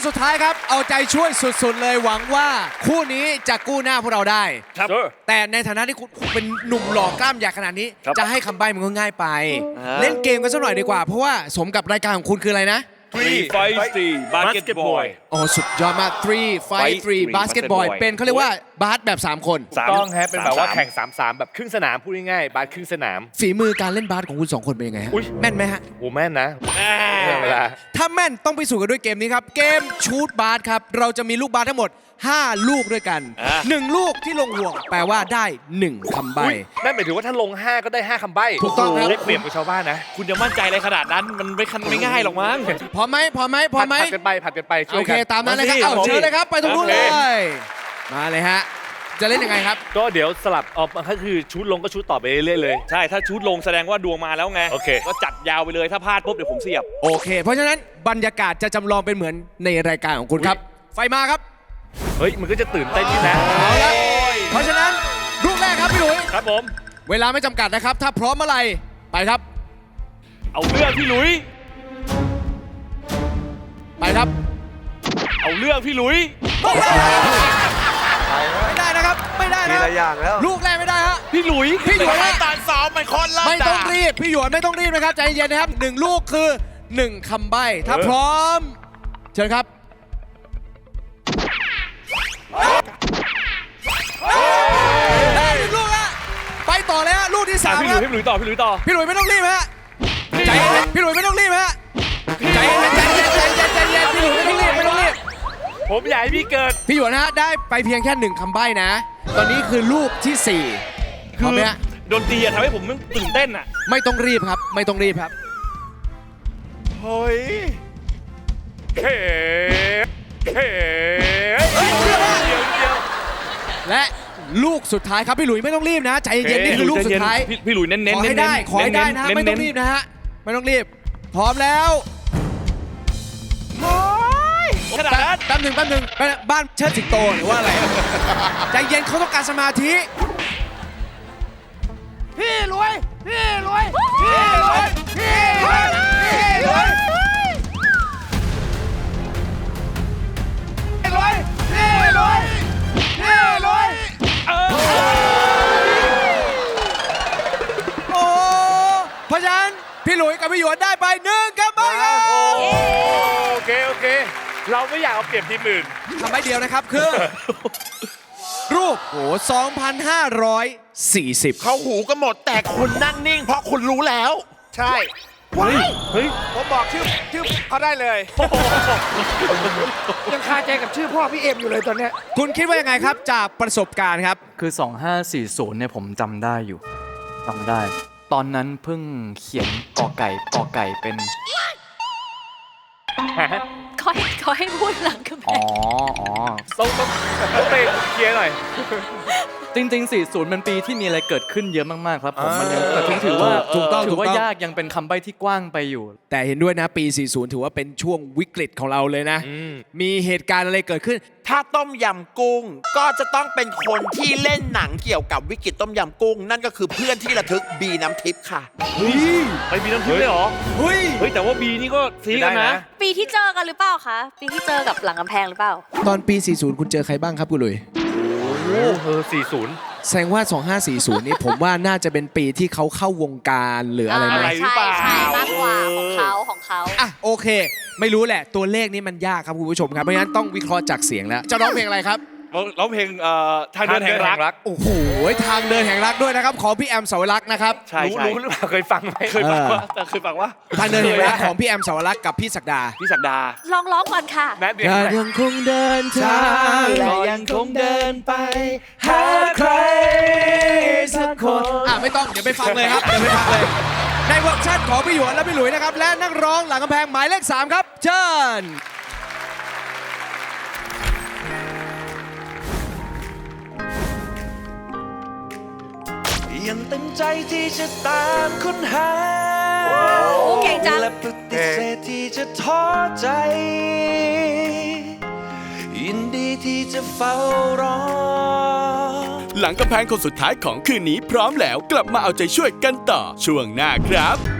สุดท้ายครับเอาใจช่วยสุดๆเลยหวังว่าคู่นี้จะกู้หน้าพวกเราได้ครับแต่ในฐานะที่คุณเป็นหนุ่มหล่อกล้ามใหญ่ขนาดนี้ครับจะให้คำใบ้มันก็ง่ายไปอ่าเล่นเกมกันสักหน่อยดีกว่า เพราะว่าสมกับรายการของคุณคืออะไรนะ Three Feisty Basketball โอ้สุดยอดมาก 3 5 3 basketball เป็นเขาเรียกว่าบาสแบบ 3 คนต้องฮะเป็นแบบว่า 3-3 แข่ง 3-3 แบบครึ่งสนามพูดง่ายๆบาสครึ่งสนามฝีมือการเล่นบาสของคุณ 2 คนเป็นยังไงฮะอุ๊ยแม่นไหมฮะโหแม่นนะเรื่องเวลาถ้าแม่นต้องไปสู่กันด้วยเกมนี้ครับ เกมชูตบาสครับ เราจะมีลูกบาสทั้งหมด 5 ลูกด้วยกัน 1 ลูกที่ลงห่วงแปลว่าได้ 1คำใบ้นั่นหมายถึงว่าถ้าลง 5 ก็ได้ 5 คำใบ้ถูกต้องครับได้เปรียบกับชาวบ้านนะคุณจะมั่นใจอะไรขนาดนั้นมันไม่ง่ายหรอกมั้งพร้อมไหมพร้อมไหมพร้อมไหมผัดกันไปผัดกันไปช่โอวยเคกันตามนั้นเลยครับมาสิเอาเชิญเลยครับ ไปตรงนู้นโอเลเคย มาเลยฮะ จะเล่นยังไงครับก็เดี๋ยวสลับออกก็คือชุดลงก็ชุดต่อไปเรื่อยๆเลยใช่ถ้าชุดลงแสดงว่าดวงมาแล้วไงโอเคก็จัดยาวไปเลยถ้าพลาดปุ๊บเดี๋ยวผมเสียบโอเค เพราะฉะนั้นบรรยากาศจะจำลองเป็นเหมือนในรายการของคุณครับ ไฟมาครับเฮ้ยมันก็จะตื่นเต้นนิดนะเอาละเพราะฉะนั้นลูกแรกครับพี่หลุยครับผมเวลาไม่จำกัดนะครับ ถ้าพร้อมเมื่อไหร่ไปครับเอาเรื่องพี่หลุยไปครับเอาเรื่องพี่หลุยไม่ได้นะครับ ไม่ได้ทีนะละอย่างแล้วลูกแรกไม่ได้ฮะพี่หลุยพี่หยวนฮะตานซ้อมมันคนละไม่ต้องรีบ พี่หยวนไม่ต้องรีบนะครับใจเย็นๆนะครับ1 ลูกคือ 1คำใบ้ ถ้าพร้อม เชิญครับได้หนึ่งลูกฮะไปต่อเลยฮะลูกที่พี่ 3 หคลุรัยบพี่หลุยต่อพี่หลุยต่อพี่หลุยไม่ต้องรีบฮะใจเย็นพี่หลุยไม่ต้องรีบฮะใจเย็นใจเย็นใจเย็นใจเย็นพี่หลุยไม่ต้องรีบไม่ต้องรีบผมอยากให้พี่เกิดพี่หยวนนะฮะได้ไปเพียงแค่1คำใบ้นะ ตอนนี้คือลูกที่4พร้อมไหมฮะดนตรีอะทำให้ผมตื่นเต้นอะไม่ต้องรีบครับ ไม่ต้องรีบครับเฮ้ยเฮ้เฮ้และลูกสุดท้ายครับพี่หลุยไม่ต้องรีบนะใจเย็นๆนี่คือลูกสุดท้ายพี่หลุยเน้นๆขอให้ได้ขอให้ได้นะฮะไม่ต้องรีบนะฮะไม่ต้องรีบ พร้อมแล้วขนาดนั้นแป๊บหนึ่งบ้านเชิดสิงโตหรือว่าอะไรใจเย็นเขาต้องการสมาธิพี่รวยพี่รวยพี่รวยพี่รวยพี่รวยพี่รวยพี่รวยพี่รวยโอ้เพราะฉะนั้นพี่หลุยกับพี่หยวนได้ไป1ครับไปครับโอเคโอเค เราไม่อยากเอาเปรียบทีมอื่นทำใบเดียวนะครับคือ รูปโอ้2,540 เขาหูกันหมดแต่คุณนั่งนิ่ง เพราะคุณรู้แล้ว ใช่เฮ้ยผมบอกชื่อเขาได้เลย ยังคาใจกับชื่อพ่อพี่เอ็มอยู่เลยตอนเนี้ยคุณคิดว่ายังไงครับจากประสบการณ์ครับคือ 2540 เนี่ยผมจำได้อยู่จำได้ ตอนนั้นเพิ่งเขียนกอไก่เป็นขอให้พูดหลังกำแพอ๋องต้องเตะเคลียร์หน่อยจริง ๆ 40 มันปีที่มีอะไรเกิดขึ้นเยอะมาก ๆ ครับผมมันยังแต่ถือว่าถูกต้องถือว่าถูกต้องยากยังเป็นคำใบ้ที่กว้างไปอยู่แต่เห็นด้วยนะปี 40 ถือว่าเป็นช่วงวิกฤตของเราเลยนะ มีเหตุการณ์อะไรเกิดขึ้นถ้าต้มยำกุ้ง ก็จะต้องเป็นคนที่เล่นหนังเกี่ยวกับวิกฤตต้มยำกุ้ง นั่นก็คือเพื่อนที่ระทึกบีน้ำทิพย์ค่ะไปมีน้ำทิพย์เลยเหรอเฮ้ยเฮ้ยแต่ว่าบีนี่ก็ซีกันนะปีที่เจอกันหรือเปล่าคะ ปีที่เจอกับหลังกำแพงหรือเปล่าตอนปี 40 คุณเจอใครบ้างครับคุณหลุย 40 แสดงว่า 2540 นี่ผมว่าน่าจะเป็นปีที่เขาเข้าวงการหรืออะไรไหมอะไร หรือเปล่าใช่มากกว่าของเขาอ่ะโอเค ไม่รู้แหละตัวเลขนี้มันยากครับคุณผู้ชมครับเพราะฉะนั้นต้องวิเคราะห์จากเสียงแล้ว จะร้องเพลงอะไรครับร้องเพลงทางเดินแห่งรักโอ้โหทางเดินแห่งรักด้วยนะครับของพี่แอมสาวรักษ์นะครับใช่รู้หรือเปล่าเคยฟังไหมเคยฟังว่าแต่เคยฟังว่าทางเดินแห่งรักของพี่แอมสาวรักษ์กับพี่ศักดาพี่ศักดาลองร้องก่อนค่ะแม่เดียวจะยังคงเดินทางและยังคงเดินไปหาใครสักคนไม่ต้องเดี๋ยวไปฟังเลยครับเดี๋ยวไปฟังเลยในเวอร์ชันของพี่หยวนและพี่หลุยนะครับและนักร้องหลังกำแพงหมายเลข 3 ครับเชิญยังตั้งใจที่จะตามค้นหาโอ้เก่งจังและปฏิเสธที่จะท้อใจ ยินดีที่จะเฝ้ารอหลังกำแพงคนสุดท้ายของคืนนี้พร้อมแล้วกลับมาเอาใจช่วยกันต่อช่วงหน้าครับ